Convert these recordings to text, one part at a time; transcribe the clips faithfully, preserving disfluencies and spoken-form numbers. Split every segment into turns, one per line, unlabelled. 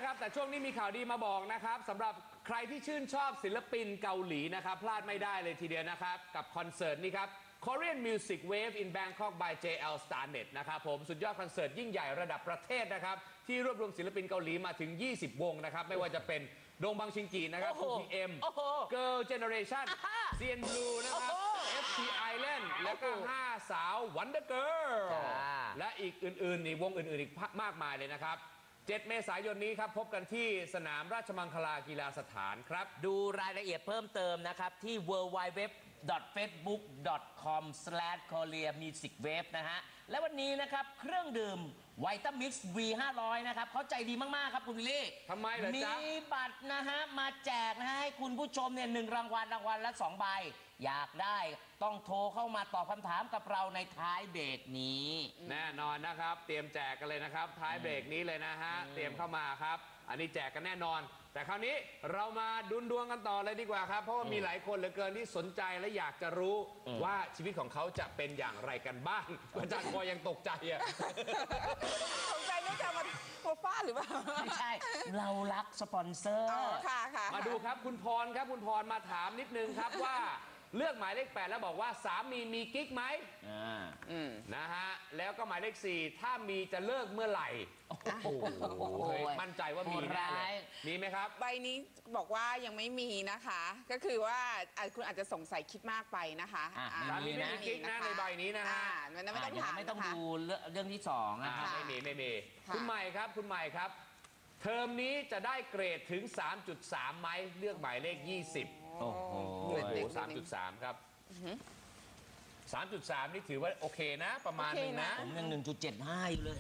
นะครับแต่ช่วงนี้มีข่าวดีมาบอกนะครับสำหรับใครที่ชื่นชอบศิลปินเกาหลีนะครับพลาดไม่ได้เลยทีเดียวนะครับกับคอนเสิร์ตนี้ครับ Korean Music Wave in Bangkok by เจ แอล Starnet นะครับผมสุดยอดคอนเสิร์ตยิ่งใหญ่ระดับประเทศนะครับที่รวบรวมศิลปินเกาหลีมาถึงยี่สิบวงนะครับไม่ว่าจะเป็นดงบังชิงกีนะครับ ทู พี เอ็ม Girl Generation ซี เอ็น Blue นะครับ เอฟ ที Island แล้วก็ห้าสาว Wonder Girl และอีกอื่นๆอีกวงอื่นๆอีกมากมายเลยนะครับเจ็ดเมษายนนี้ครับพบกันที่สนามราชมังคลากีฬาสถานครับ
ดูรายละเอียดเพิ่มเติมนะครับที่ ดับเบิลยู ดับเบิลยู ดับเบิลยู ดอท เฟซบุ๊ก ดอท คอม สแลช โคเรีย มิวสิก เวฟ นะฮะและวันนี้นะครับเครื่องดื่มไวต้ามิกซ์ วี ห้าร้อย นะครับเขาใจดีมากๆครับคุณวิลลี่
ทำไมเหรอจ๊ะ
มีบัตรนะฮะมาแจกนะฮะให้คุณผู้ชมเนี่ยหนึ่งรางวัลรางวัลละสองใบอยากได้ต้องโทรเข้ามาตอบคำถามกับเราในท้ายเบรกนี้
แน่นอนนะครับเตรียมแจกกันเลยนะครับท้ายเบรกนี้เลยนะฮะเตรียมเข้ามาครับอันนี้แจกกันแน่นอนแต่คราวนี้เรามาดุนดวงกันต่อเลยดีกว่าครับเพราะว่ามีหลายคนเหลือเกินที่สนใจและอยากจะรู้ว่าชีวิตของเขาจะเป็นอย่างไรกันบ้างอาจารย์พอยังตกใจอะ
ตกใจนึกจะมาโมฟ้าหรือเปล่า
ไม่ใช่เรารักสปอนเซอร์
ค่ะค่ะ
มาดูครับคุณพรครับคุณพรมาถามนิดนึงครับว่าเลือกหมายเลขแปดแล้วบอกว่าสามีมีกิ๊กไหมนะฮะแล้วก็หมายเลขสี่ถ้ามีจะเลิกเมื่อไหร่โอ้โหมั่นใจว่ามีแน่เลยมีไหมครับ
ใบนี้บอกว่ายังไม่มีนะคะก็คือว่าคุณอาจจะสงสัยคิดมากไปนะคะ
สามีไม่มีกิ๊กนะในใบนี้นะฮะ
ไม่ต้องถาม
ไม่ต้องดูเรื่องที่สอง
นะคะไม่มีไม่มีคุณใหม่ครับคุณใหม่ครับเทอมนี้จะได้เกรดถึง สามจุดสาม ไหมเลือกหมายเลขยี่สิบโอ้โห สามจุดสาม ครับ สามจุดสาม นี่ถือว่าโอเคนะประมาณนึงนะ
ผมยัง หนึ่งจุดเจ็ดห้า อยู่เลย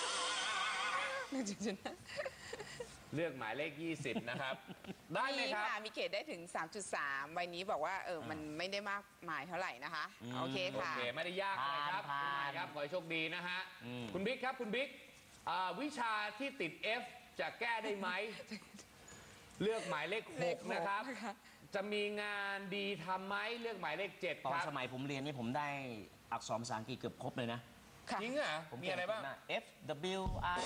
เลือกหมายเลขยี่สิบนะครับได้ไหมครับ
มีเกรดได้ถึง สามจุดสาม ใบนี้บอกว่าเออมันไม่ได้มากมายเท่าไหร่นะคะโอเคค่ะ
โอเคไม่ได้ยากอะไรครับคุณใหม่ครับขอให้โชคดีนะฮะคุณบิ๊กครับคุณบิ๊กวิชาที่ติด F จะแก้ได้ไหมเลือกหมายเลขหกนะครับจะมีงานดีทำไหมเลือกหมายเลขเจ็ดครับ
ตอนสมัยผมเรียนนี่ผมได้อักษรภาษาอังกฤษเกือบครบเลยนะ
จริงเหรอมีอะไรบ้าง
F W I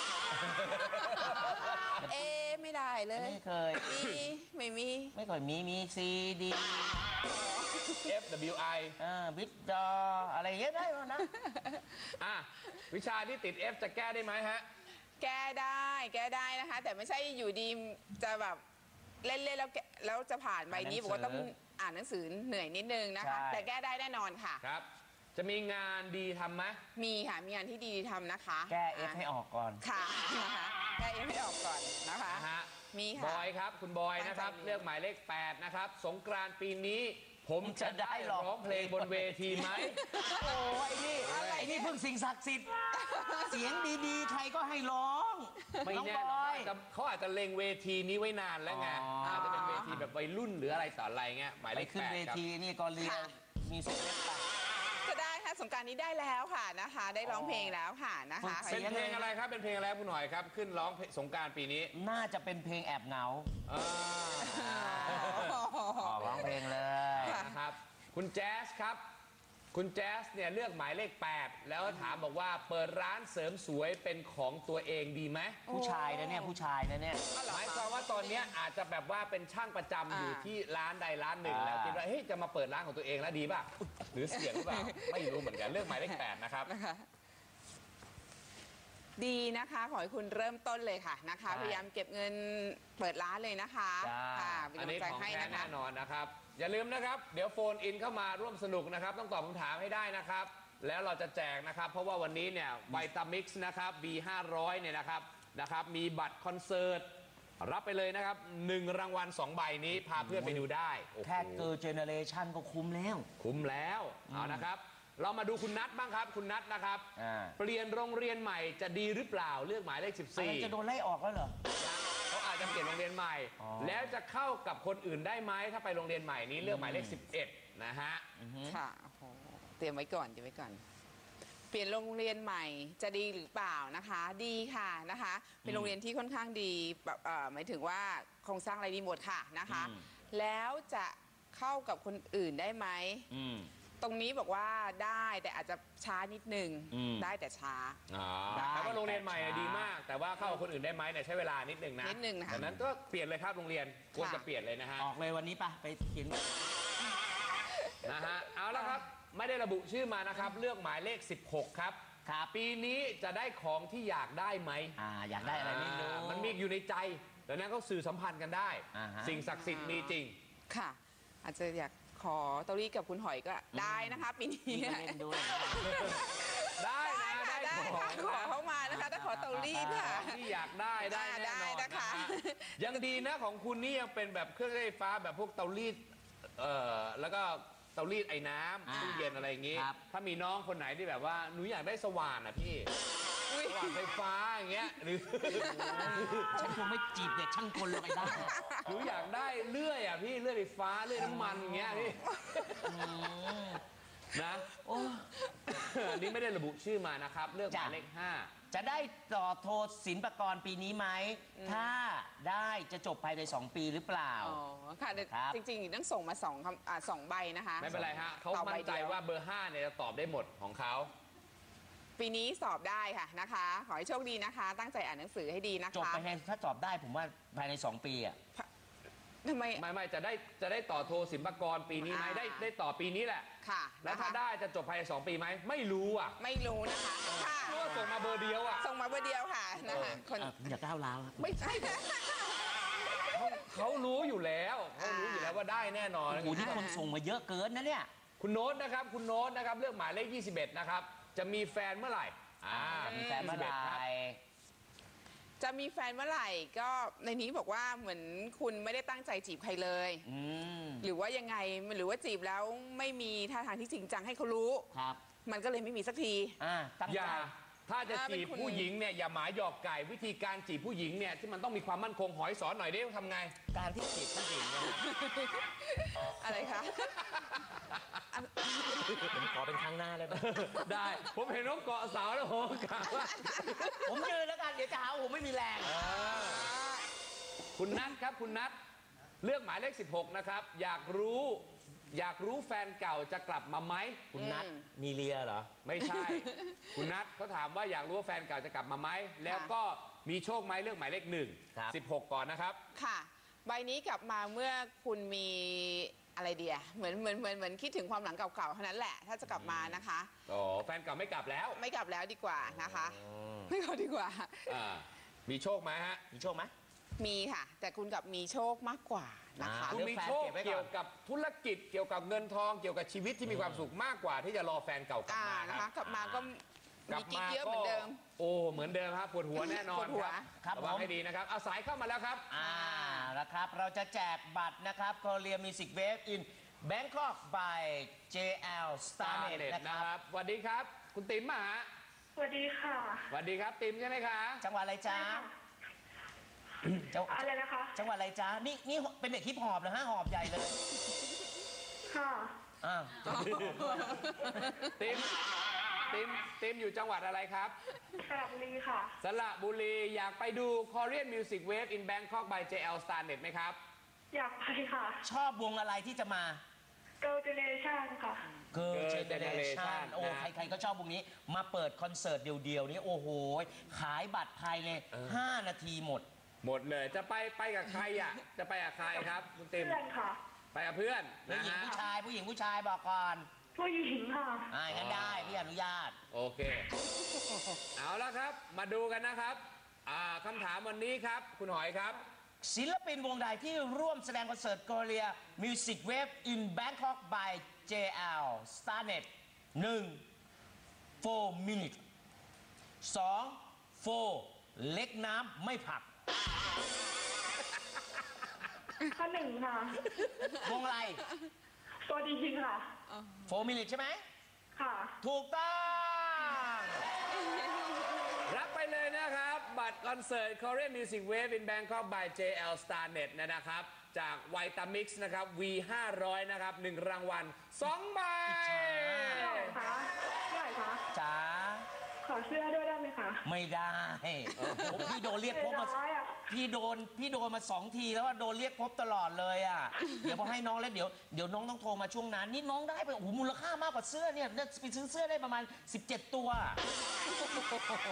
เอไม่ได้เลย
ไม่เคย
มีไม่มี
ไม่เคยมีมี C D
F W I
อ่าวิดดออะไรเงี้ยได้แล้วนะ
อ่ะวิชาที่ติด F จะแก้ได้ไหมฮะ
แก้ได้แก้ได้นะคะแต่ไม่ใช่อยู่ดีจะแบบเล่นๆแล้วแล้วจะผ่านใบนี้บอกว่าต้องอ่านหนังสือเหนื่อยนิดนึงนะคะแต่แก้ได้แน่นอนค่ะ
ครับจะมีงานดีทำไหม
มีค่ะมีงานที่ดีทำนะคะ
แก้ F ให้ออกก่อน
ค่ะนะคะแก้ F ให้ออกก่อนนะคะมีค่ะ
บอยครับคุณบอยนะครับเลือกหมายเลขแปดนะครับสงกรานต์ปีนี้ผมจะได้ร้องเพลงบนเวทีไหม
โอ้ยนี่ไอ้นี่เพิ่งสิ่งศักดิ์สิทธิ์เสียงดีๆใครก็ให้ร้อง
ไม่แน่เขาอาจจะเล็งเวทีนี้ไว้นานแล้วไงอาจจะเป็นเวทีแบบวัยรุ่นหรืออะไรต่ออะไรเงี้ยหมายเลขแปด
ขึ้นเวทีนี่ก็เรียนมีสิทธิ์เล่นไป
ก็ได้ค่ะสงการนี้ได้แล้วค่ะนะคะได้ร้องเพลงแล้วค่ะนะคะ
เป็นเพลงอะไรครับเป็นเพลงอะไรคุณหน่อยครับขึ้นร้องสงการปีนี้
น่าจะเป็นเพลงแอบเหงาร้องเพลงเลย
นะครับคุณแจ๊สครับคุณแจ๊สเนี่ยเลือกหมายเลขแปดแล้วถามบอกว่าเปิดร้านเสริมสวยเป็นของตัวเองดีไหม
ผู้ชายนะเนี่ยผู้ชายนะเนี่ย
หมายความว่าตอนนี้อาจจะแบบว่าเป็นช่างประจำอยู่ที่ร้านใดร้านหนึ่งแล้วคิดว่าเฮ้ยจะมาเปิดร้านของตัวเองแล้วดีป่ะหรือเสี่ยงหรือเปล่าไม่รู้เหมือนกันเลือกหมายเลขแปดนะครับ
ดีนะคะขอให้คุณเริ่มต้นเลยค่ะนะคะพยายามเก็บเงินเปิดร้านเลยนะคะ
ค่ะอันนี้ของแท้แน่นอนนะครับอย่าลืมนะครับเดี๋ยวโฟนอินเข้ามาร่วมสนุกนะครับต้องตอบคำถามให้ได้นะครับแล้วเราจะแจกนะครับเพราะว่าวันนี้เนี่ยไวตามิกซ์นะครับ บี ห้าร้อยเนี่ยนะครับนะครับมีบัตรคอนเสิร์ตรับไปเลยนะครับหนึ่งรางวัลสองใบนี้พาเพื่อนไปดูได้
แค่เกิร์ลเจเนเรชันก็คุ้มแล้ว
คุ้มแล้วเอานะครับเรามาดูคุณนัทบ้างครับคุณนัทนะครับเปลี่ยนโรงเรียนใหม่จะดีหรือเปล่าเลือกหมายเลขสิบสี่
จะโดนไล่ออกแล้วเหรอ
เขาอาจจะเปลี่ยนโรงเรียนใหม่แล้วจะเข้ากับคนอื่นได้ไหมถ้าไปโรงเรียนใหม่นี้เลือกหมายเลขสิบเอ็ดนะฮะ
ค่ะเตรียมไว้ก่อนเตรียมไว้ก่อนเปลี่ยนโรงเรียนใหม่จะดีหรือเปล่านะคะดีค่ะนะคะเป็นโรงเรียนที่ค่อนข้างดีแบบหมายถึงว่าโครงสร้างอะไรดีหมดค่ะนะคะแล้วจะเข้ากับคนอื่นได้ไหมตรงนี้บอกว่าได้แต่อาจจะช้านิดนึงได้แต่ช้า
แต่ว่าโรงเรียนใหม่ดีมากแต่ว่าเข้ากับคนอื่นได้ไหมเนี่ยใช้เวลานิดนึงนะ
นิดนึงนะคะ
ดังนั้นก็เปลี่ยนเลยครับโรงเรียนควรจะเปลี่ยนเลยนะฮะ
ออกเลยวันนี้ปะไปเขียน
นะฮะเอาละครับไม่ได้ระบุชื่อมานะครับเลือกหมายเลขสิบหกครับ
ครับ
ปีนี้จะได้ของที่อยากได้ไหม
อ่าอยากได้อะไรไม่รู้
อ่ามันมีอยู่ในใจดังนั้นก็สื่อสัมพันธ์กันได้
อ่าฮะ
สิ่งศักดิ์สิทธิ์มีจริง
ค่ะ อาจจะอยากขอเตอรี่กับคุณหอยก็ได้นะคะปีนี้
นี่ก็เล่นด้วย
ได้นะ
ได้
ได้
ค่ะ
ข
ได้
อง
ค่ะขอเข้ามานะคะถ้าขอเตอรี่ค่ะ
ที่อยากได้ได้แน่นอน
ได้นะคะ
ฮยังดีนะของคุณนี่ยังเป็นแบบเครื่องใช้ไฟฟ้าแบบพวกเตารีดเอ่อแล้วก็เตารีดไอ้น้ำ
อ่า
ตู้เย็นอะไรอย่างงี้
ครับ
ถ้ามีน้องคนไหนที่แบบว่าหนูอยากได้สว่านอ่ะพี่
อุ๊ย
สว่านไฟฟ้าอย่างเงี้ยหรือ
ฉันคงไม่จีบเด็กช่างกลลงไปได้
หนูอยากได้เลื่อยอ่ะพี่เลื่อยไฟฟ้าเลื่อยน้ำมันอย่างเงี้ยพี่นะ
โอ้
อันนี้ไม่ได้ระบุชื่อมานะครับ เลือกหมายเลขห้า
จะได้ต่อโทศิลปากรปีนี้ไหม ถ้าได้จะจบภายในสองปีหรือเปล่า
อ๋อค่ะแต่
ครับ
จริงๆต้องส่งมาสองคำอ่าสองใบนะคะ
ไม่เป็นไรฮะเขา
ตอบใบ
มั่นใจ
ดีย
ว่าเบอร์ห้าเนี่ยจะตอบได้หมดของเขา
ปีนี้สอบได้ค่ะนะคะ ขอให้โชคดีนะคะ ตั้งใจอ่านหนังสือให้ดีนะ
จบ
คะ
ไปให้ถ้าจบได้ผมว่าภายในสองปีอ่ะ
ทำไม
ไม่ไม่จะได้จะได้ต่อโทศิลปากรปีนี้ไหม
อ่า
ได้ได้ต่อปีนี้แหละ
ค่ะ
แล้ว
นะคะ
ถ้าได้จะจบภายในสองปีไหมไม่รู้อ่ะ
ไม่รู้นะคะค่ะ
เพราะว่าส่งมาเบอร์เดียวอ่ะ
ส่งมาเบอร์เดียวค่ะนะคะคน
อ่ะอย่าก้าวร้าวครับ
ไม่ใช่
เขารู้อยู่แล้วเขารู้อยู่แล้วว่าได้แน่นอน
โอ้โหนี่คนส่งมาเยอะเกินนะเนี่ย
คุณโน้ตนะครับคุณโน้ตนะครับเลือกหมายเลขยี่สิบเอ็ดนะครับจะมีแฟนเมื่อไหร่อ่า
มีแฟนเมื่อไหร่
ยี่สิบเอ็ดครับ
จะมีแฟนเมื่อไหร่ก็ในนี้บอกว่าเหมือนคุณไม่ได้ตั้งใจจีบใครเลย
อืม
หรือว่ายังไงหรือว่าจีบแล้วไม่มีท่าทางที่จริงจังให้เขารู้
ครับ
มันก็เลยไม่มีสักที
อ่าตั้ง
อ
ใจ
ย่าถ้าจะ
อ่า
จีบ
เป็นคุณ
ผู้หญิงเนี่ยอย่าหมายหยอกไก่วิธีการจีบผู้หญิงเนี่ยที่มันต้องมีความมั่นคงหอยสอนหน่อยได้ทำไง
การที่จีบผู้หญิงเนี่ย
อะไรคะอัน
ผมขอเป็นครั้งหน้าเลยไหม
ได้ผมเห็นน้องเกาะเสาแล้วโหกล่าวว่า
ผมยืนแล้วกันเดี๋ยวจะหาว่าผมไม่มีแรง
คุณนัทครับคุณนัทเลือกหมายเลขสิบหกนะครับอยากรู้อยากรู้แฟนเก่าจะกลับมาไหม
คุณนัทมีเลียเหรอ
ไม่ใช่ คุณนัทเขาถามว่าอยากรู้ว่าแฟนเก่าจะกลับมาไหมแล้วก็มีโชคไหมเลือกหมายเลขหนึ่ง
ครับ
สิบหกก่อนนะครับ
ค่ะ ใบนี้กลับมาเมื่อคุณมีอะไรเดียเหมือนเหมือนเหมือนเหมือนคิดถึงความหลังเก่าๆเท่านั้นแหละ ถ้าจะกลับมานะคะ
อ๋อแฟนเก่าไม่กลับแล้ว
ไม่กลับแล้วดีกว่านะคะ ไม่กลับดีกว่า
อ่ามีโชคไหมฮะ
มีโชคไหม
มีค่ะ แต่คุณกับมีโชคมากกว่านะคะ
อ่า
คุณมีโชค
เรื่องแฟนเก็บไว้ก่อน
เกี่ยวกับธุรกิจเกี่ยวกับเงินทองเกี่ยวกับชีวิตที่มีความสุขมากกว่าที่จะรอแฟนเก่ากลับ
อ่า
มา
นะ
ครั
คะ
บ
กลับมาก็
กลั
มี
บ
กิ๊ก
มา
เยอะเหมือนเดิม
โอ้เหมือนเดิมครับปวดหัวแน่นอน
ปวดหัว
ครับ
ระวัง
ผม
ให้ดีนะครับเอาสายเข้ามาแล้วครับ
อ่าแล้วครับ เราจะแจกบัตรนะครับ Korea Music Wave in Bangkok by เจ แอล Starnet นะค
นะ
รั
ค
บ
รับสวัสดีครับ คุณติ๋มมาฮะ
สวัสดีค่ะ
สวัสดีครับติ๋มใช่ไหมคะ
จังหวัดอะไรจ๊ะจัง
อะไรนะคะ
จังหวัดอะไรจ๊ะ นี่นี่เป็นเด็กฮิปฮอปเหรอฮะหอบใหญ่เลย
ค่ะ
อ้าว
ติ๋มติ๋มติ๋มอยู่จังหวัดอะไรครับ
สระบุรีค่ะ
สระบุรีอยากไปดู Korean Music Wave in Bangkok by เจ แอล Starnet ไหมครับ
อยากไปค่ะ
ชอบวงอะไรที่จะมา
Girl Generation ค่ะ
Girl
Girl
Generation
Generation
โอ้
นะ
ใครๆก็ชอบวงนี้ มาเปิดคอนเสิร์ตเดียวๆนี้โอ้โห ขายบัตรภายในห้านาทีหมด
หมดเลยจะไปไปกับใครอ่ะ จะไปกับใครครับคุณติ๋ม
เพื่อนค่ะ
ไปกับเพื่อน
ผู้
นะ
หญิง
ฮะ
ผู้ชายผู้หญิงผู้ชายบอกก่อน
ผู้หญิงค่ะ
อ่างั้นได้พี่อนุญาต
โอเค เอาละครับ มาดูกันนะครับอ่าคำถามวันนี้ครับ คุณหอยครับ
ศิลปินวงใดที่ร่วมแสดงคอนเสิร์ต Korea Music Wave in Bangkok by เจ แอล Starnet หนึ่ง four minutes สอง four เล็กน้ำไม่ผัก
ข้อหนึ่งค่ะ
วงอะไร
ตัวดีค่ะ
four minutes ใช่ไหม
ค่ะ
ถูกต้อง
รับไปเลยนะครับ บัตรคอนเสิร์ต Korean Music Wave in Bangkok by เจ แอล Starnet นะครับ จาก Vitamix นะครับ วี ห้าร้อย นะครับหนึ่งรางวัลสองใบ
เท่าไหร่คะเท่าไหร่คะ
จ๋า
ขอเสื้อด้วยได้ไหมคะ
ไม่ได้ผมพี่โดนเรียกพบมา
เสียดายอะ
พี่โดนพี่โดนมาสองทีแล้วว่าโดนเรียกพบตลอดเลยอ่ะ เดี๋ยวพอให้น้องแล้วเดี๋ยวเดี๋ยวน้องต้องโทรมาช่วงนั้นนี่น้องได้ไปโอ้โหมูลค่ามากกว่าเสื้อเนี่ยไปซื้อเสื้อได้ประมาณสิบเจ็ดตัว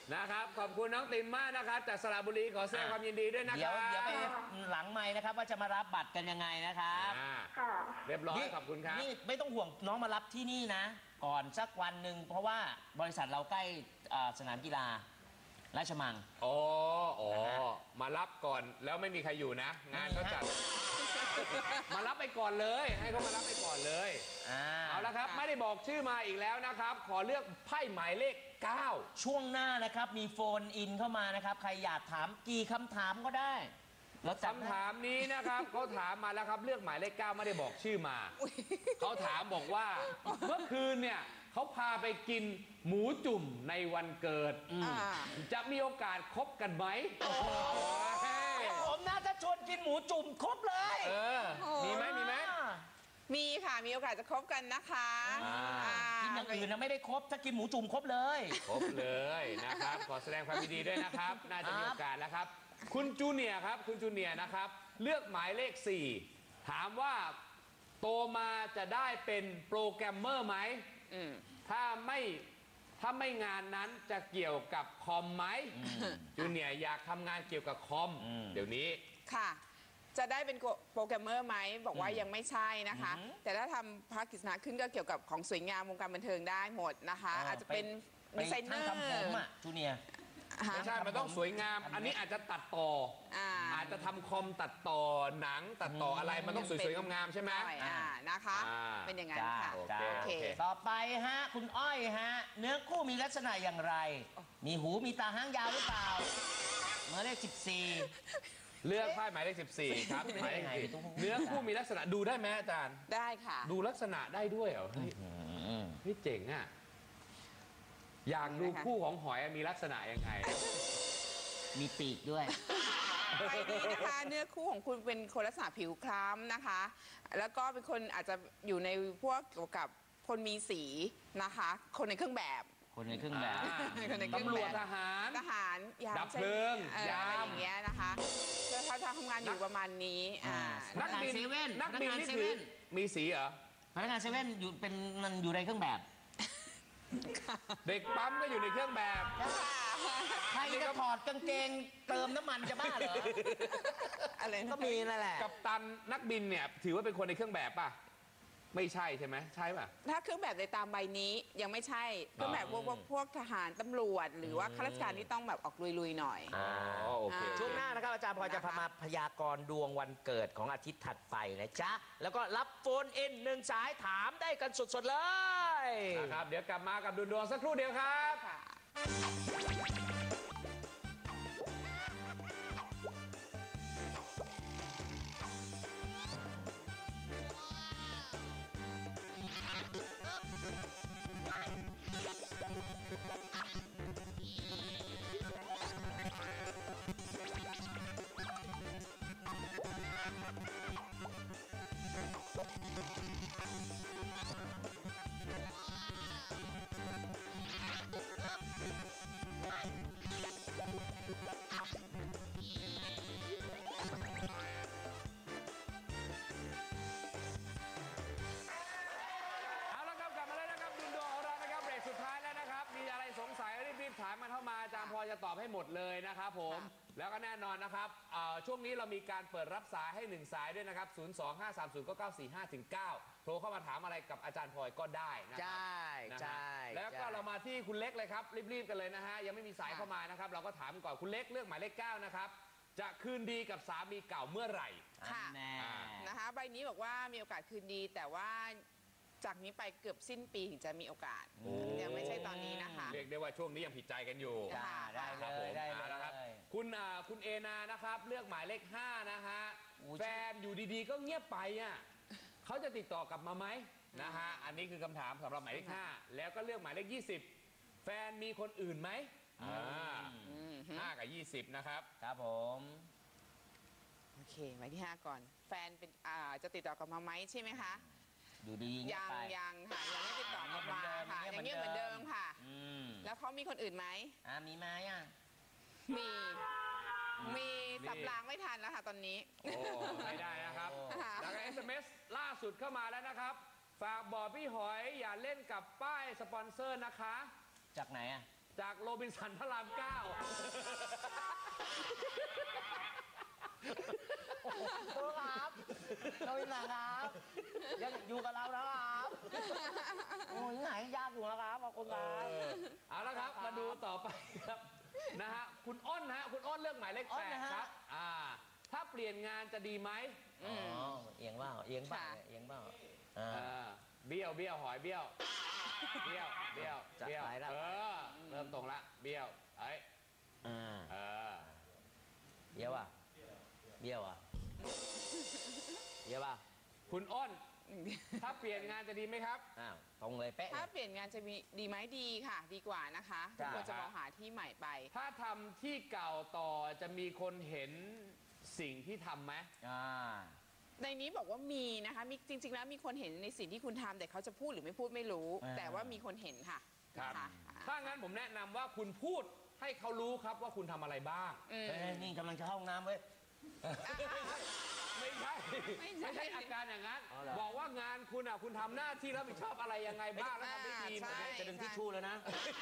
นะครับขอบคุณน้องตินมากนะครับจากสระบุรีขอแสดงความยินดีด้วยนะค
เดี๋ยว
รับ
เดี๋ยวไปหลังไมค์นะครับว่าจะมารับบัตรกันยังไงนะครับ
อ่า
ค่ะ
เรียบร้อยขอบคุณครับ
นี่ไม่ต้องห่วงน้องมารับที่นี่นะ ก่อนสักวันหนึ่งเพราะว่าบริษัทเราใกล้อ่าสนามกีฬาราชมัง
อ๋ออ๋อมารับก่อนแล้วไม่มีใครอยู่นะ งานเขาจัด มารับไปก่อนเลย ให้เขามารับไปก่อนเลย
อ่า
เอาละครับ ไม่ได้บอกชื่อมาอีกแล้วนะครับ ขอเลือกไพ่หมายเลขเก้า
ช่วงหน้านะครับมีโฟนอินเข้ามานะครับ ใครอยากถามกี่คำถามก็ได้แล้วจัด
คำถามนี้นะครับ เขาถามมาแล้วครับเลือกหมายเลขเก้าไม่ได้บอกชื่อมา เขาถามบอกว่าเมื่อคืนเนี่ยเขาพาไปกินหมูจุ่มในวันเกิด
อ่า
จะมีโอกาสคบกันไหมเฮ้ย
ผมน่าจะชวนกินหมูจุ่มครบเลย
เออ มีไหมมีไหม
มีค่ะ มีโอกาสจะคบกันนะคะ
อ่า
อ่า
กินอย่างอื่นนะไม่ได้ครบถ้ากินหมูจุ่มครบเลย
ครบเลยนะครับ ขอแสดงความยินดีด้วยนะครับ น่าจะมี
ครับ
โอกาสแล้วครับ คุณจูเนียร์ครับ คุณจูเนียร์นะครับ เลือกหมายเลขสี่ถามว่าโตมาจะได้เป็นโปรแกรมเมอร์ไหม
อืม
ถ้าไม่ถ้าไม่งานนั้นจะเกี่ยวกับคอมไหมจูเนียร์อยากทำงานเกี่ยวกับคอม
อืม
เดี๋ยวนี้
ค่ะ จะได้เป็นโปรแกรมเมอร์ไหมบอกว่ายังไม่ใช่นะคะ
อือหือ
แต่ถ้าทำภาคกิจสนาขึ้นก็เกี่ยวกับของสวยงามวงการบันเทิงได้หมดนะคะ อาจจะเป็น
ไป
ดีไซเนอร์
ทำผมอ่ะจูเนียร์
ฮะ
ไม่ใช่ มันต้องสวยงาม อันนี้อาจจะตัดต่อ
อ่า
อาจจะทำคอมตัดต่อหนังตัดต่ออะไร มันต้องสวยๆงามๆใช่ไหม
หน่อยอ่านะคะ
อ่า
เป็นอย่างนั้น
จ้า
ค่ะ
โอ
จ้า
เค
โอเค
ต่อไปฮะคุณอ้อยฮะเนื้อคู่มีลักษณะอย่างไร มีหูมีตาหางยาวหรือเปล่าเมื่อเลขสิบสี่
เลือกไพ่หมายเลขสิบสี่ครับหมายเลข
ไม่
สิบ
ได้
เนื้อคู่มีลักษณะดูได้ไหมอาจารย์
ได้ค่ะ
ดูลักษณะได้ด้วยเหรอเฮ้ยเฮ้ยเจ๋งอ่ะ อยากดูคู่ของหอยมีลักษณะยังไง
มีปีกด้วย
ใบนี้นะคะเนื้อคู่ของคุณเป็นคนลักษณะผิวคล้ำนะคะ แล้วก็เป็นคนอาจจะอยู่ในพวกเกี่ยวกับคนมีสีนะคะ คนในเครื่องแบบ
คนในเครื่องแบบ
อ่า
คนในเครื่อง
ตำร
แบ
วจ
บ
ทหาร
ทหารยาม
ดับเพลิง
เอ่อย
าม
อะไรอย่างเงี้ยนะคะแล้วเขาทำงานอยู่ประมาณนี้อ่า
นั
นั
ก
ก
บิ
บิ
น
นนักบิน
พนักงาน
นี่
เซ
ถื
เว่
อน มีสีเหรอ
พนักงานเซเว่นอยู่เป็นมันอยู่ในเครื่องแบบ
เด็กปั๊มก็อยู่ในเครื่องแบบ
ใครจะถอดกางเกงเติมน้ำมันจะบ้าเหรอ
อะไรนะ
ก็มีนั่นแหละ
กับตันนักบินเนี่ย ถือว่าเป็นคนในเครื่องแบบป่ะ ไม่ใช่ใช่ไหมใช่ป่ะ
ถ้าเครื่องแบบในตามใบนี้ยังไม่ใช่เครื่องแบบพวกพวกพวกทหารตำรวจ หรือว่าข้าราชการที่ต้องแบบออกลุยๆหน่อย
อ๋อโอเค
อ่า
ช่วงหน้านะครับอาจารย์พอจะพามาพยากรณ์ดวงวันเกิดของอาทิตย์ถัดไปนะจ๊ะ แล้วก็รับโฟนอินหนึ่งสายถามได้กันสดๆเลย
นะครับ เดี๋ยวกลับมากับดูดวงสักครู่เดียวครับ
ค่ะ
เอาละครับกลับมาแล้วนะครับดูดวงของเรานะครับเบรกสุดท้ายแล้วนะครับ มีอะไรสงสัยรีบๆถามมาเข้ามาอาจารย์พอจะตอบให้หมดเลยนะครับผม แล้วก็แน่นอนนะครับเอ่อช่วงนี้เรามีการเปิดรับสายให้หนึ่งสายด้วยนะครับ ศูนย์ สอง ห้า สาม ศูนย์ เก้า เก้า สี่ ห้า ถึง เก้า โทรเข้ามาถามอะไรกับอาจารย์พลอยก็ได้นะค
ใช
รับ่ นะฮะ
ใช่
แล้วก็เรามาที่คุณเล็กเลยครับรีบๆกันเลยนะฮะยังไม่มีสายเข้ามานะครับเราก็ถามก่อนคุณเล็กเลือกหมายเลขเก้านะครับจะคืนดีกับสามีเก่าเมื่อไหร่
ค่ะ
แน่
นะคะใบนี้บอกว่ามีโอกาสคืนดี แต่ว่าจากนี้ไปเกือบสิ้นปีถึงจะมีโอกาสยังไม่ใช่ตอนนี้นะคะ
เรียกได้ว่าช่วงนี้ยังผิดใจกันอยู่
จ้ะ
ได้
ค
เล
รับผ
ย
ม
ได้
เอาละครับ
เลย
คุณอ่าคุณเอนานะครับ เลือกหมายเลขห้านะฮะ
อุ๊ย
แฟนอยู่ดีๆ ก็เงียบไปอ่ะเขาจะติดต่อกลับมาไหมนะฮะอันนี้คือคำถามสำหรับหมายเลขห้าแล้วก็เลือกหมายเลขยี่สิบแฟนมีคนอื่นไหมอ่า
อืม
ห้ากับยี่สิบนะครับ
ครับผม
โอเคไว้ที่ห้าก่อน แฟนเป็นอ่าจะติดต่อกลับมาไหมใช่ไหมคะ
ดูดีเงียบ
ยัง
ไป
ยังค่ะยังไม่ติดต่อกลับมาค่ะ
ยั
ยัง
งเงี
เงีย
ย
บบ เห
เหมื
มือ
อน นเดิ
เดิ
ม
มค่ะ
อืม
แล้วเขามีคนอื่นไหม
อ่ามีไหมอ่ะ
มี มีสับรางไม่ทันแล้วค่ะตอนนี้
โอ้ไม่ได้นะครับ
ค่ะ
แล้วก็ เอส เอ็ม เอส ล่าสุดเข้ามาแล้วนะครับฝากบอกพี่หอยอย่าเล่นกับป้ายสปอนเซอร์นะคะ
จากไหนอ่ะ
จากโรบินสันพระรามเก้า
ครูครับเราอีกนะครับยังอยู่กับเรานะครับโอ้ยไหนยากอยู่นะครับขอบคุณครับ
เอาละครับมาดูต่อไปครับนะฮะคุณอ้นฮะคุณอ้นเลือกหมายเลข
อ้
แป
น
ด
นะฮะ
ครับอ่าถ้าเปลี่ยนงานจะดีไหม
อ๋อเอียงเปล่าเอียงเปล่า
ค่ะ
เอียงเปล่าอ่า
เออเบี้ยวเบี้ยวหอยเบี้ยวเบี้ยวเบี้ยว
จัด
เบี้ยว
ไปแล้ว
เออเริ่มตรงละเบี้ยวเอ้ย
อ่า
เออ
เบี้ยวอ่ะเบี้ยวอ่ะเบี้ยวอ่ะ
คุณอ้นถ้าเปลี่ยนงานจะดีไหมครับ
อ้าวตรงเลยเป๊ะ
ถ้าเปลี่ยนงานจะมีดีไหมดีค่ะ ดีกว่านะคะทุก
จ้ะ
คนจะมองหาที่ใหม่ไป
ถ้าทำที่เก่าต่อจะมีคนเห็นสิ่งที่ทำไหม
อ่า
ในนี้บอกว่ามีนะคะมีจริง ๆ แล้วมีคนเห็นในสิ่งที่คุณทำแต่เขาจะพูดหรือไม่พูดไม่รู้
อ่า
แต่ว่ามีคนเห็นค่ะ
ครับ
นะคะ
ถ้างั้นผมแนะนำว่าคุณพูดให้เขารู้ครับว่าคุณทำอะไรบ้าง
อืม
เฮ้ยนี่กำลังจะเข้าห้องน้ำเว้ย
ไม่ใช่
ไม่ใช่
ไม่ใช่อาการอย่างนั้น
อ๋อเหรอ
บอกว่างานคุณอ่ะคุณทำหน้าที่รับผิดชอบอะไรยังไงบ้างแล้วทำได้ดีไหม
ใช่
จะดึงทิชชู่แล้วนะ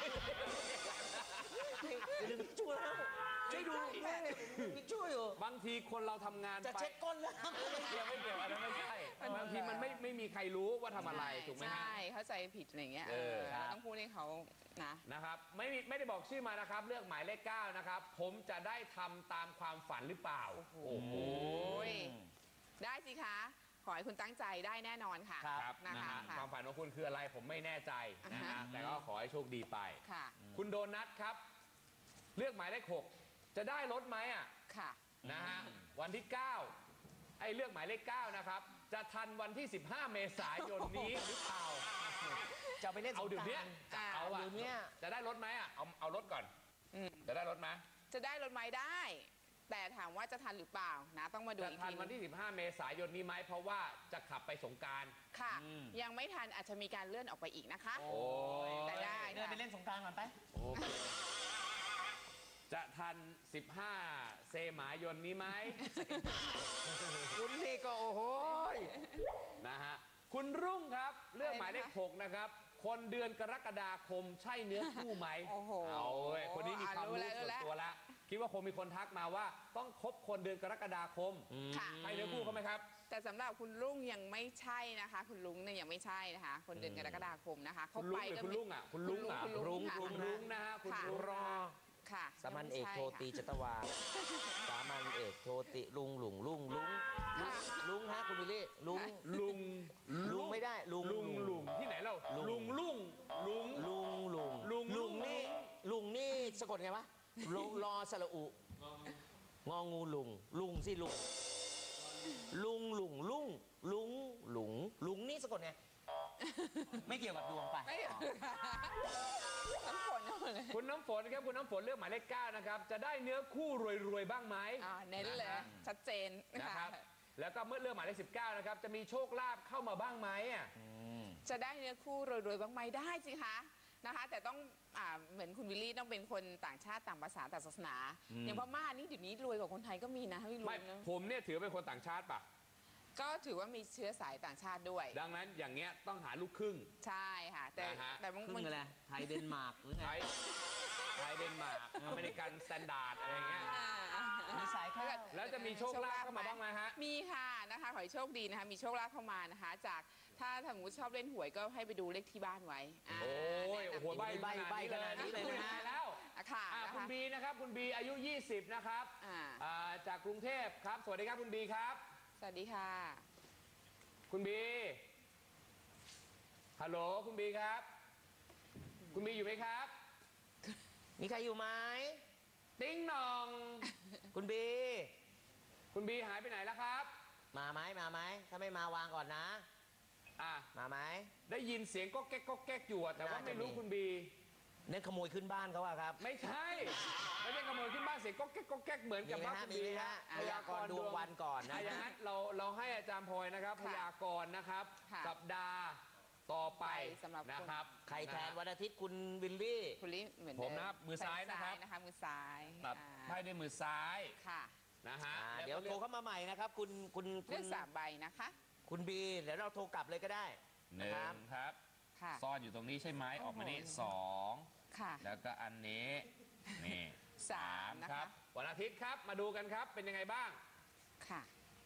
จะดึงทิชชู่แล้วช่วยดูทิชชู่อยู่
บางทีคนเราทำงาน
จะ
ไป
เช็ดก้นแล้ว
ไม่เกี่ยวไม่เกี่ยวอันนั้นไม่ใช่บางทีมันไม่ไม่มีใครรู้ว่าทำอะไรถูกไหมฮะ
ใช่เข้าใจผิดอะไรเงี้ย
เออ
เออต้องพูดให้เขานะ
นะครับไม่มีไม่ได้บอกชื่อมานะครับ เลือกหมายเลขเก้านะครับ ผมจะได้ทำตามความฝันหรือเปล่า โอ้โห
โอ้ยได้สิคะ ขอให้คุณตั้งใจได้แน่นอนค่ะ
ครับ
ครับ
นะ
นะคะ ฮะ
ค่ะ
ความฝันของคุณคืออะไรผมไม่แน่ใจนะ
อ่า
ฮะ
ฮะ
แต่ก็ขอให้โชคดีไป
ค่ะ
คุณโดนัทครับ เลือกหมายเลขหกจะได้รถไหมอ่ะ
ค่ะ
นะฮะวันที่ เก้า ไอ้เลือกหมายเลขเก้านะครับ จะทันวันที่ สิบห้า เมษายนนี้หรือเปล่า
จะไปเล่นส
เอา
ง
เดี๋ยว
ก
เนี้
ราย นต์
อ่า
เอาอะ
เดี๋ยวเนี้ย
จะได้รถไหมอ่ะเอาเอารถก่อน
อืม
จะได้รถไหม
จะได้รถไหมได้ แต่ถามว่าจะทันหรือเปล่านะ ต้องมาดู
จะ
อีก
ทัน
ที
วันที่ สิบห้า เมษายนนี้ไหมเพราะว่าจะขับไปสงกราร
ค่ะ ยังไม่ทันอาจจะมีการเลื่อนออกไปอีกนะคะ
โอ้ย
แต่ได้
เดินไปเล่นสงกรานต์ก่อนไป
โอเคจะทัน สิบห้า เซหมายนนี้ไหม
คุณนี่ก็โอ้โห
นะฮะคุณรุ่งครับเลือกหมายเลขหกนะครับ คนเดือนกรกฎาคมใช่เนื้อคู่ไหม
โอ้โห
เอาเว้ยคนนี้มีความรู้
อ่ะรู้
ส่วน
แล้ว
ตัวแล้ว คิดว่าคงมีคนทักมาว่าต้องคบคนเดือนกรกฎาคม
ค่ะ
ใช่เนื้อคู่เขาไหมครับ
แต่สำหรับคุณลุงยังไม่ใช่นะคะ คุณลุงเนี่ยยังไม่ใช่นะคะ คนเดือนกรกฎาคมนะคะ
คุณลุงหรือคุณลุงอ่ะคุณลุงอ่ะ
คุณลุง
คุณลุงนะฮะคุณ
ค่ะ
ลุง
รอ
ค่ะ
สามัญเอกโทตี
ยังไม่
จตวาสามัญเอกโทติลุงหลุงลุงลุงลุงฮะคุณวิลลี่ลุง
ลุง
ลุงไม่ได้ลุง
ลุงลุงที่ไหนเรา
ลุง
ลุงลุงลุง
ลุงลุง
ลุง
ลุงนี่ลุงนี่สะกดไงวะลุงรอสระอุงองูลุงลุงสิลุงลุงลุงลุงลุงลุงลุงนี่สะกดไงไม่เกี่ยวกับดวงไป
ไม่เกี่ยวน้ำฝนเอาเลย
คุณน้ำฝนครับคุณน้ำฝนเลือกหมายเลขเก้านะครับ จะได้เนื้อคู่รวยๆบ้างไหม
อ่าเน้นเลย
ะฮะ
ชัดเจน
นะครับ แล้วก็เมื่อเลือกหมายเลขสิบเก้านะครับ จะมีโชคลาภเข้ามาบ้างไหมอ่ะ
จะได้เนื้อคู่รวยๆบ้างไหมได้สิคะนะคะ แต่ต้องอ่าเหมือนคุณวิลลี่ต้องเป็นคนต่างชาติต่างภาษาต่างศาสนา อย่างพม่านี่เดี๋ยวนี้รวยกว่าคนไทยก็มีนะไม่รู้
ไม่
นะ
ผมเนี่ยถือเป็นคนต่างชาติป่ะ
ก็ถือว่ามีเชื้อสายต่างชาติด้วย
ดังนั้นอย่างเงี้ยต้องหาลูกครึ่ง
ใช่ค่ะ แต่
นะฮะ
แต่บาง
ครึ่งอะไรไทยเดนมาร์กหรือไง
ไทยไทยเดนมาร์กอเมริกันสแตนดาร์ดอะไรเงี้ย
อ่า
มีสายข้าว
แล้วจะมีโชคลาภเข้ามาบ้างไหมฮะ
มีค่ะนะคะขอให้โชคดีนะคะ มีโชคลาภเข้ามานะคะ จากถ้าสมมติชอบเล่นหวยก็ให้ไปดูเลขที่บ้านไว้า
โอ้ยโอ้โหใบ
ใบ้ใบ้ขนาดนี้เลยนะ
ตายแล้ว
อ่ะค่ะ
อ่ะ
นะ
คุณ
คะ
บีนะครับคุณบีอายุ ยี่สิบ นะครับ
อ่า
อ่าจากกรุงเทพครับ สวัสดีครับคุณบีครับ
สวัสดีค่ะ
คุณบีฮัลโหลคุณบีครับ คุณบีอยู่ไหมครับ
มีใครอยู่ไหม
ติ้งหนอง
คุณบี
คุณบีหายไปไหนแล้วครับ
มาไหมมาไหมถ้าไม่มาวางก่อนนะ
อ่ะ
มาไหม
ได้ยินเสียงก็แก๊กก็แก๊กอยู่อะแต่ว่า
น่าจะ
ไม่รู้
มี
คุณบี
เนี่ยขโมยขึ้นบ้านเขาอะครับ
ไม่ใช่ ไม่ใช่ขโมยขึ้นบ้านเสียงก็แก๊กก็แก๊กเหมือน
มี
กับ
ไหม
ว่า
ฮะ
คุณ
มี
บี
ไหม
ฮะ
ฮะพยากรณ์ดวงวันก่อนนะ
อ่ะอย่างนั้นเราเราให้อาจารย์พลอยนะครับ พ
ค่ะ
ยากรณ์นะครับ
ค่ะ
สัปดาห์ต่อไป
สำหรับคน
นะครับ
ใครแทนวันอาทิตย์คุณวิลลี่
คุณลิเหมือน
ผม
เดิ
นะครับมือซ้ายนะครับ
นะคะ มือซ้าย
ตัด
อ่า
ไพ่ด้วยมือซ้าย
ค่ะ
นะฮะ
อ่า
แล้
เดี๋ยว
ก็
โทรเข้ามาใหม่นะครับ คุณคุณคุ
เลื
ณ
อกสามใบนะคะ
คุณบีเดี๋ยวเราโทรกลับเลยก็ได้
หนึ่
นะครับ
งครับ
ค่ะ
ซ่อนอยู่ตรงนี้ใช่ไหมออกมานี่
โอ้โห
สอง
ค่ะ
แล้วก็อันนี้นี่
สามนะคะ
ครับวันอาทิตย์ครับมาดูกันครับเป็นยังไงบ้าง
ค่ะ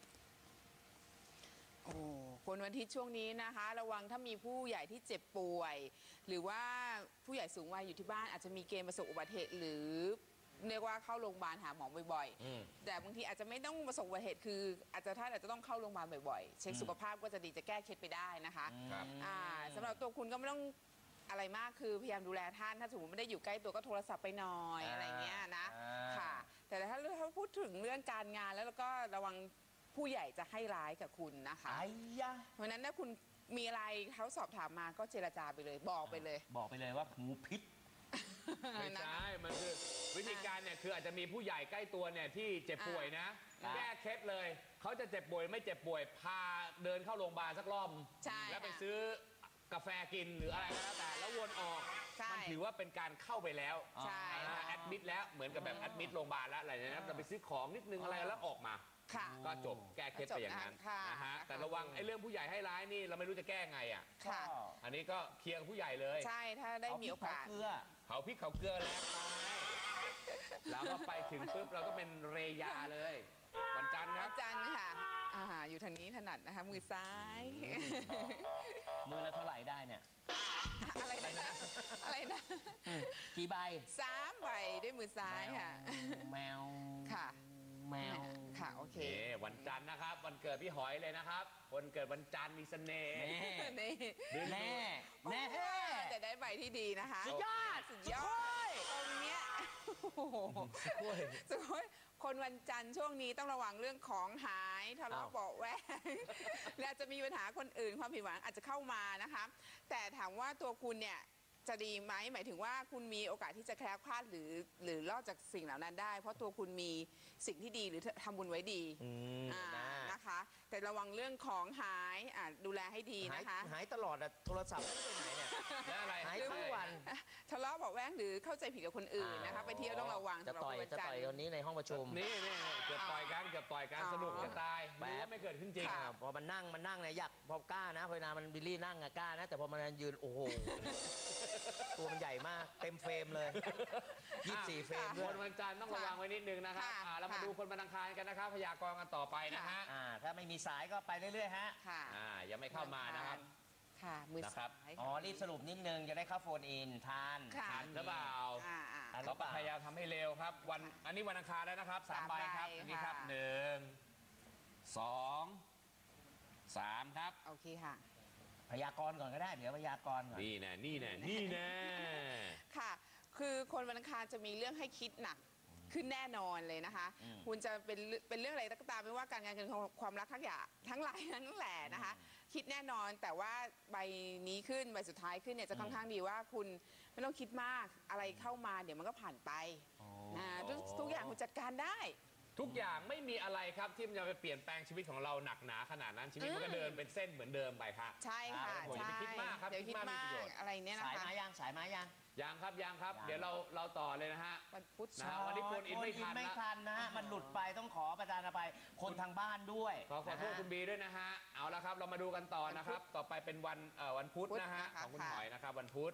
โอ้คนวันอาทิตย์ช่วงนี้นะคะ ระวังถ้ามีผู้ใหญ่ที่เจ็บป่วย หรือว่าผู้ใหญ่สูงวัยอยู่ที่บ้านอาจจะมีเกณฑ์ประสบอุบัติเหตุหรือเรียกว่าเข้าโรงพยาบาลหาหมอบ่อย
อืม
ๆ แต่บางทีอาจจะไม่ต้องประสบอุบัติเหตุคือ อาจจะท่านอาจจะต้องเข้าโรงพยาบาลบ่อยๆ เช็คสุขภาพก็จะดีจะแก้เคล็ดไปได้นะคะ
ครับ
อ่าสำหรับตัวคุณก็ไม่ต้องอะไรมากคือพยายามดูแลท่านถ้าสมมติไม่ได้อยู่ใกล้ตัวก็โทรศัพท์ไปหน่อย
อ่า
อะไรเงี้ยนะ
อ่า
ค่ะ แต่ถ้าถ้าพูดถึงเรื่องการงานแล้วแล้วก็ระวังผู้ใหญ่จะให้ร้ายกับคุณนะคะ
ไอ้ยะ
เพราะฉะนั้นถ้าคุณมีอะไรเขาสอบถามมาก็เจรจาไปเลยบอกไปเลย
บอกไปเลยว่างูพิษ
ไม่ใช่มันคือวิธีการเนี่ยคืออาจจะมีผู้ใหญ่ใกล้ตัวเนี่ยที่เจ็บป่วยนะ
อ่า
แก้เคล็ดเลยเขาจะเจ็บป่วยไม่เจ็บป่วยพาเดินเข้าโรงพยาบาลสักรอบ
ใช่
แล้วไป
ค่ะ
ซื้อกาแฟกินหรืออะไรก็แล้วแต่แล้ววนออก
ใช่
มันถือว่าเป็นการเข้าไปแล้ว
ใช่ค่ะ
แอดมิดแล้วเหมือนกับแบบแอดมิดโรงพยาบาลแล้วอะไรเนี่ยนะจะไปซื้อของนิดนึงอะไรแล้วออกมา
ค่ะ
ก็จบแก้เคล็ดไปอย่างนั้น
ค่ะ
นะฮะ
ค่ะ
แต่ระวังไอ้เรื่องผู้ใหญ่ให้ร้ายนี่เราไม่รู้จะแก้ไงอ่ะ
ค่ะ
อันนี้ก็เคลียร์กับผู้ใหญ่เลย
ใช่ถ้าได้มีโอกาส
เเกลือ
เขาพริกเขาเกลือแล้วไปแล้วก็ไปถึงปุ๊บเราก็เป็นเรยาเลย วันจันทร์ค
วั
รับ
นจันทร์ค่ะอ่าอยู่ทางนี้ถนัดนะคะ มือซ้าย
มือละเท่าไหร่ได้เนี่ย
อะไรนะอะไรนะ
กี่ใบ
สามใบด้วยมือซ้ายค่ะ
แมว
ค่ะ
แมว
ค่ะโอเค
นี่วันจันทร์นะครับ วันเกิดพี่หอยเลยนะครับวันเกิดวันจันทร์มีเสน่ห์
แน่
นี่
แน่แน่
แต่ได้ใบที่ดีนะคะ
สุดยอด
สุดยอดตรงเนี้ยโอ้โหสุดยอดคนวันจันทร์ช่วงนี้ต้องระวังเรื่องของหายทะเลาะ
อ้าว
เบาะแวงและอาจจะมีปัญหาคนอื่นความผิดหวังอาจจะเข้ามานะคะ แต่ถามว่าตัวคุณเนี่ยจะดีไหมหมายถึงว่าคุณมีโอกาสที่จะแคล้วคลาดหรือหรือรอดจากสิ่งเหล่านั้นได้ เพราะตัวคุณมีสิ่งที่ดีหรือทำบุญไว้ดี
อืม
อ่า
นะ
นะคะ แต่ระวังเรื่องของหายอ่าดูแลให้ดี
หาย
นะคะ
หายตลอดอะโทรศัพท์ไม่ได้ไปไหนเนี่ย
แล้วอะไร
หายทุกวัน
ทะเลาะเบาะแว้งหรือเข้าใจผิดกับคนอื่นนะคะ ไปเที่ยวต้องระวัง
จะ
สำหรับ
ต่อย
คนวัน
จะ
จัน
ต่
ท
อย
ร์
คนนี้ในห้องประชุม
นี่นี่นี่เกือบต่อยกันเกือบต่อยกัน
อ๋อ
สนุกจะตาย
แป๊บ
รู้ว่าไม่เกิดขึ้นจริง
ค่ะ
อ่าพอมันนั่งมันนั่งเนี่ยอยากพอกล้านะพอเวลามันบิลลี่นั่งอะกล้านะ แต่พอมันยืนโอ้โห ตัวมันใหญ่มากเต็มเฟรมเลยยี่สิบสี่เฟรม
ค
ด้วย
นวันจันทร์ต้องระวังไว้นิดนึงนะครับ
ค่ะ
อ่าเรามา
ค่ะ
ดูคนวันอังคารกันนะครับพยากรณ์กันต่อไปนะฮะ
อ่าถ้าไม่มีสายก็ไปเรื่อยๆฮะ
ค่ะ
อ่ายังไม่เข้ามานะครับ
ค่ะ มือ
นะครับ
ซ้าย
อ๋อรีบสรุปนิดนึงจะได้เข้าโฟนอินทาน
ค่ะ
ทันหรือเปล่า
อ่าอ่า
ทันหรื
เรา
อเป
ก็
ล่า
พยายามทำให้เร็วครับ วันอันนี้วันอังคารแล้วนะครับสาม
สาม
ใบครับ
ใบ
อันนี้ครับ
ค่ะ
หนึ่งสองสามครับ
โอเคค่ะ
พยากรณ์ก่อนก็ได้ เดี๋ยวพยากรณ์ก่อน
นี่แน่นี่แน่นี่แน่
ค่ะ คือคนวันอังคารจะมีเรื่องให้คิดหนักขึ้นแน่นอนเลยนะคะ
อืม
คุณจะเป็นเรื่องเป็นเรื่องอะไรก็ตามไม่ว่าการงานการเงินความรักทั้งอย่างทั้งหลายทั้งแหล่นะคะ คิดแน่นอนแต่ว่าใบนี้ขึ้นใบสุดท้ายขึ้นเนี่ยจะค่อนข้างดีว่าคุณไม่ต้องคิดมากอะไรเข้ามาเดี๋ยวมันก็ผ่านไปนะทุกทุกอย่างคุณจัดการได้
ทุกอย่างไม่มีอะไรครับที่มันจะไปเปลี่ยนแปลงชีวิตของเราหนักหนาขนาดนั้นชีวิตมันก็เดินเป็นเส้นเหมือนเดิมไปครับ
ใช่ค่ะ
ผมอย่า
ใช่
ไปคิดมากครับ
เดี๋ยวคิด
คิดมากมี
มา
ประโย
ก
ชน์
อะไรเนี่ยนะ
สาย
คะ
มายังสายมายัง
ยังครับยังครับ
ยัง
เดี๋ยวเราเราต่อเลยนะฮะ
วันพุธ
นะฮะวันนี้โฟนอินไม่ทัน
ไม่
นะ
ทันนะฮะมันหลุดไปต้องขอประทานอภัยคนทางบ้านด้วย
ขอขอโทษ
นะฮะ
คุณบีด้วยนะฮะ เอาละครับ เรามาดูกันต่อนะครับ ต่อไปเป็นวันเอ่อวันพุธนะฮะ ของคุณหอยนะครับ วันพุธ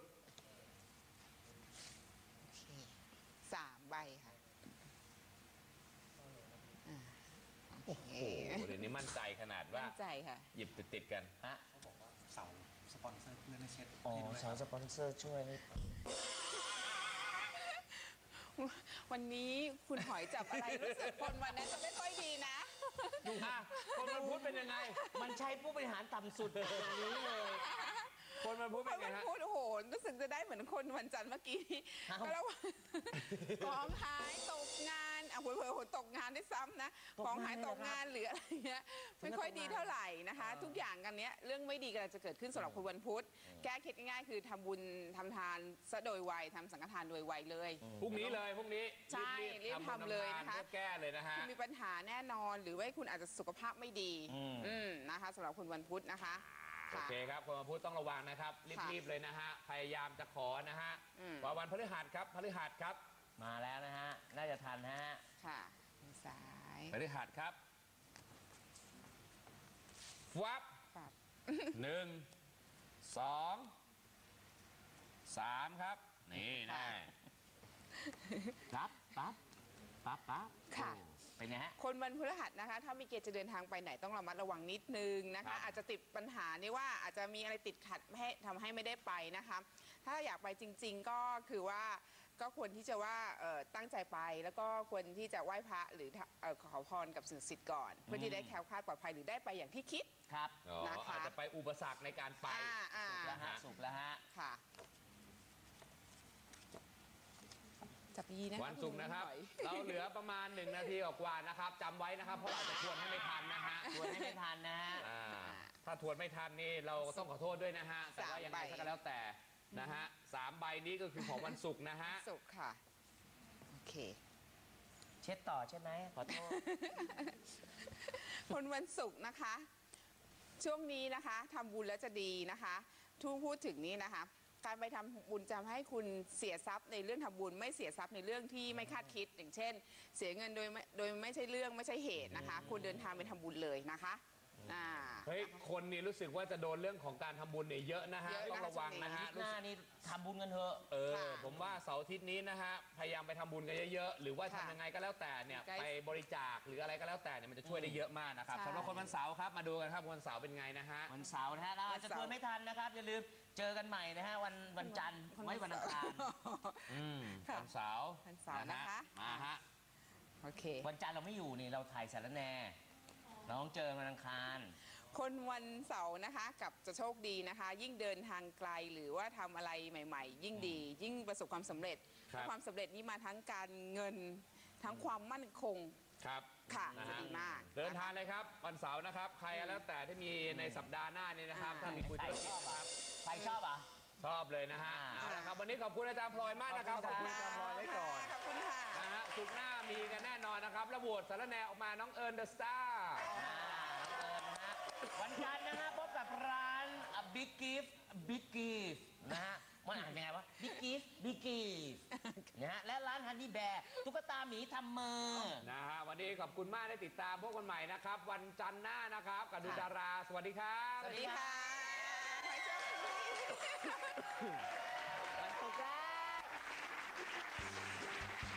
สามใบค่ะอ่าโอเค
โอ้โหเดี๋ยวนี้มั่นใจขนาดว่า
มั่นใจค่ะ
หยิบติดๆกัน
ฮะ
เสาสปอนเซอร์เพื่อนให้เช็ด
อ๋อ
ให้ด้วย
สาวสปอนเซอร์ช่วย
วันนี้คุณหอยจับอะไรรู้สึกคนวันนั้นจะไม่ค่อยดีนะ
อ่ะ คนวันพุธเป็นยังไง
มันใช้ผู้บริหารต่ำสุดอย่างนี้เลย
คนวันพุธ
ค
เป็น
น
ไง
วัน
ฮะ
พุธโอ้โหรู้สึกจะได้เหมือนคนวันจันทร์เมื่อกี้
เอ้า
ก็แล้วาของหายตกงานอ่ะเผลอๆตกงานได้วยซ้ำนะ
ตกงาน
ของหาย
เลยเหร
ต
อก ครับ
งานหรืออะไรเงี้ย
ถึง
ไม่
กับ
ค่อย
ตกงาน
ดีเท่าไหร่นะคะ ทุกอย่างกันเนี้ยเรื่องไม่ดีกำลังจะเกิดขึ้นสำหรับคนวันพุธแก้เคล็ดง่ายๆคือทำบุญทำทานซะโดยไวทำสังฆทานโดยไวเลย
พรุ่งนี้เลยพรุ่งนี้
ใช่รีบทำเลยนะคะ
เพื่อแก้เลยนะฮะ
คุณมีปัญหาแน่นอนหรือว่าคุณอาจจะสุขภาพไม่ดี
อืม
อืมนะคะสำหรับคนวันพุธนะคะ
โอเคครับ คนวันพุธต้องระวังนะครับ รีบๆเลยนะฮะ พยายามจะขอนะฮะ
อืม
ว่าวันพฤหัสครับ พฤหัสครับ
มาแล้วนะฮะ น่าจะทันฮะ
ค่ะมือซ้าย
พฤหัสครับ วับ
ปับ
หนึ่ง สอง สามครับ
นี่นะปั๊บปั๊บปั๊บปั๊บ
ค่ะ
โอ้เป็นไงฮะ
คนวันพฤหัสนะคะ ถ้ามีเกณฑ์จะเดินทางไปไหนต้องระมัดระวังนิดนึงนะ
ครั
คะ
บ
อาจจะติดปัญหานี่ว่าอาจจะมีอะไรติดขัดไม่ให้ทำให้ไม่ได้ไปนะคะ ถ้าอยากไปจริง ๆ ก็คือว่าก็ควรที่จะว่าเอ่อตั้งใจไปแล้วก็ควรที่จะไหว้พระหรือเอ่อขอพรกับสิ่งศักดิ์สิทธิ์ก่อน เพื่อที่ได้แคล้วคลาดปลอดภัยหรือได้ไปอย่างที่คิด
ครับ
อ๋อ
นะคะ
อาจจะไปอุปสรรคในการไป
อ่าอ่า
สุกแล้วฮะสุกแล้วฮะ
ค่ะจับยีนะคะ
วันศุกร์นะครับ
ณหอย
เราเหลือประมาณหนึ่งนาทีกว่าๆนะครับจำไว้นะครับเพราะเราจะทวนให้ไม่ทันนะฮะ
ชวนให้ไม่ทันนะฮะ
อ่าถ้าทวนไม่ทันนี่เราต้องขอโทษด้วยนะฮะแต่ว่ายังไง
สามใบ
ก็แล้วแต่นะฮะสามใบนี้ก็คือของวันศุกร์นะฮะ
ศุกร์ค่ะ โอเค
เช็ดต่อใช่ไหมขอโทษ
คนวันศุกร์นะคะ ช่วงนี้นะคะทำบุญแล้วจะดีนะคะทูพูดถึงนี้นะคะ การไปทำบุญจะทำให้คุณเสียทรัพย์ในเรื่องทำบุญ ไม่เสียทรัพย์ในเรื่องที่ไม่คาดคิด อย่างเช่น เสียเงินโดยไม่โดยไม่ใช่เรื่องไม่ใช่เหตุนะคะคุณเดินทางไปทำบุญเลยนะคะอ่า
เฮ้ยคนนี่รู้สึกว่าจะโดนเรื่องของการทำบุญเนี่ยเยอะนะฮะ
เยอะนะ
ต้องระวังนะฮะ
หน้านี่ทำบุญกันเถอะ
เออ
ค่ะ
ผมว่าเสาร์อาทิตย์นี้นะฮะพยายามไปทำบุญกันเยอะๆหรือว่า
ค่ะ
ทำยังไงก็แล้วแต่เนี่ย
ใกล้
ไปบริจาคหรืออะไรก็แล้วแต่เนี่ยมันจะช่วยได้เยอะมากนะครับ
ใช่
สำหรับคนวันเสาร์ครับมาดูกันครับวันเสาร์เป็นไงนะฮะ
วันเสาร์นะฮะเราอาจจะ
วันเสาร์
ทวนไม่ทันนะครับ อย่าลืมเจอกันใหม่นะฮะวันวันจันทร์ไม่วันอังคารอืม
ค่ะ
วันเสาร์
วันเสาร์นะคะ
มาฮะ
โอเค
วันจันทร์เราไม่อยู่นี่เราถ่ายสารแหน่เราต้องเจอวันอังคาร
คนวันเสาร์นะคะกับจะโชคดีนะคะ ยิ่งเดินทางไกลหรือว่าทำอะไรใหม่ ๆ ยิ่งดี ยิ่งประสบความสำเร็จ
ครับ
ความสำเร็จนี้มาทั้งการเงินทั้งความมั่นคง
ครับ
ค่ะ
นะ
จะ
ฮะ
ดีมาก
เดินทางเลยครับวันเสาร์นะครับ ใครแล้วแต่ที่มีในสัปดาห์หน้านี้นะครับ
อ่า
ถ้ามีคุยธุรกิจนะครับ
ใครชอบอ่ะ
ชอบเลยนะฮะ
อ่า
เอาละครับวันนี้ขอบคุณอาจารย์พลอยมากนะครับขอบคุณอาจารย์พลอยไว้ก่อน
ขอบคุณค่ะ
นะฮะสุกร์หน้ามีกันแน่นอนนะครับแล้วโหวตสารแนออกมาน้องเอิญเดอะสตาร์
อ่าน้องเอิญนะฮะวันจันทร์นะฮะพบกับร้าน Big Gift Big Gift นะฮะมันอ่านยังไงวะ Big Gift Big Gift นะฮะและร้าน Honey Bear ตุ๊กตาหมีทำมือ
นะฮะวันนี้ขอบคุณมากได้ติดตามพวกคนใหม่นะครับ วันจันทร์หน้านะครับกับดูดารา สวัสดีครับ
สวัสดีค่ะขอให้โชคดี
วันศุกร์แล้ว